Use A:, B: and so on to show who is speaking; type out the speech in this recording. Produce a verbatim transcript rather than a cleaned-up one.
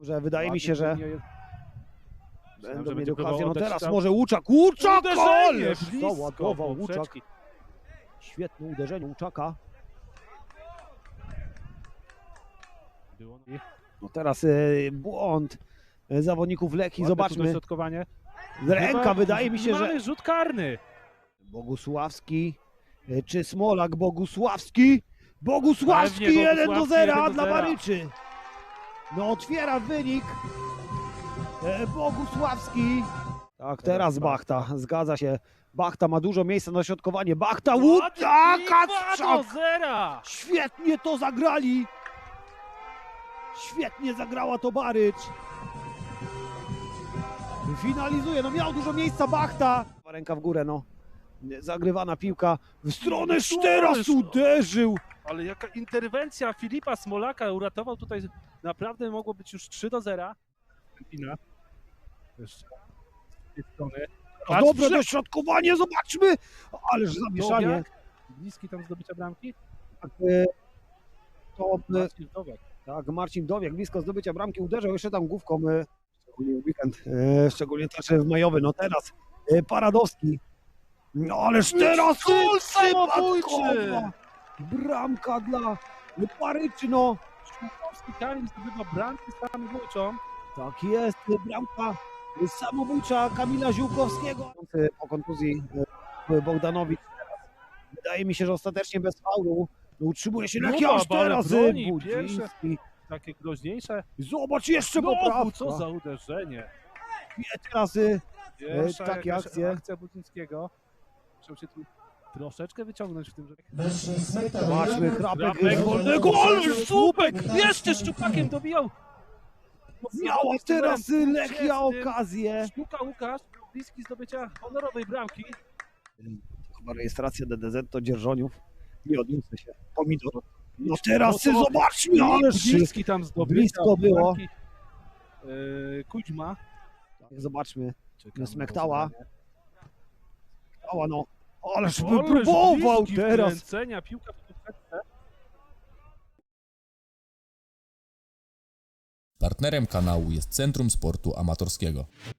A: Że wydaje mi się, że będą mieli okazję. No teraz
B: tam.
A: może Łuczak. Łuczak!
B: Uderzenie
A: Ależ
B: blisko
A: załadował Łuczak.
B: poprzeczki.
A: Świetne uderzenie Łuczaka.
B: Było-
A: No teraz y, błąd y, zawodników Lechii.
B: Ładne
A: Zobaczmy.
B: dośrodkowanie.
A: Ręka,
B: Chyba
A: wydaje mi się, że
B: mamy rzut karny.
A: Bogusławski y, czy Smolak. Bogusławski. Bogusławski
B: Pewnie
A: jeden do
B: Bogusławski,
A: zera
B: jeden do
A: dla
B: zera.
A: Maryczy. No otwiera wynik. E, Bogusławski. Tak, teraz Bachta. Zgadza się. Bachta ma dużo miejsca na dośrodkowanie. Bachta, Łuczak,
B: dwa do
A: Kacprzak.
B: zera.
A: Świetnie to zagrali. Świetnie zagrała to Barycz. Finalizuje, no miał dużo miejsca Bachta. Ręka w górę, no. Zagrywana piłka w stronę Szteras uderzył.
B: Ale jaka interwencja Filipa Smolaka uratował tutaj. Naprawdę mogło być już trzy do zera. Pina. Jeszcze z tej strony.
A: A dobre dośrodkowanie, zobaczmy. Ależ zamieszanie.
B: Dowiak. Bliski tam zdobycia bramki.
A: Tak, e, to, e,
B: Marcin Dowiak.
A: tak, Marcin Dowiak blisko zdobycia bramki uderzył jeszcze tam główką. E, szczególnie w weekend, e, szczególnie też w majowy. No teraz e, Paradowski. No ależ teraz
B: Gol
A: przypadkowa bramka dla Paryczy, no.
B: Szumkowski Kamil zdobywa bramki samobójczą.
A: Tak jest, bramka samobójcza Kamila Ziółkowskiego. Po kontuzji e, Bogdanowicz teraz. Wydaje mi się, że ostatecznie bez faulu utrzymuje się Lechia aż
B: Próba, ale
A: teraz
B: broni,
A: Budziński.
B: Takie groźniejsze.
A: Zobacz, jeszcze
B: Znowu,
A: poprawka.
B: co za uderzenie.
A: Teraz y,
B: Pierwsza
A: takie
B: jakaś
A: akcje.
B: akcja Budzińskiego. Musiał się tu troszeczkę wyciągnąć w tym, że...
A: zobaczmy, Chrapek
B: Chrapek,
A: z wolnego,
B: ale słupek! Jeszcze Szczupakiem dobijał!
A: miała teraz y, Lechia
B: Czesnym.
A: okazję.
B: Sztuka Łukasz, bliski zdobycia honorowej bramki.
A: Chyba rejestracja D D Z to Dzierżoniów. Nie odniósł się. Pomidor. No teraz
B: No
A: y,
B: to-
A: zobaczmy, ależ
B: Bliski tam zdobycia
A: blisko było.
B: bramki. Yy, Kuźma.
A: Zobaczmy,
B: Czekamy na
A: Smektała.
B: rozegranie.
A: Ała no. Ależ
B: Ależ
A: wypróbował
B: bliski
A: teraz.
B: wkręcenia, piłka w poprzeczce.
C: Partnerem kanału jest Centrum Sportu Amatorskiego.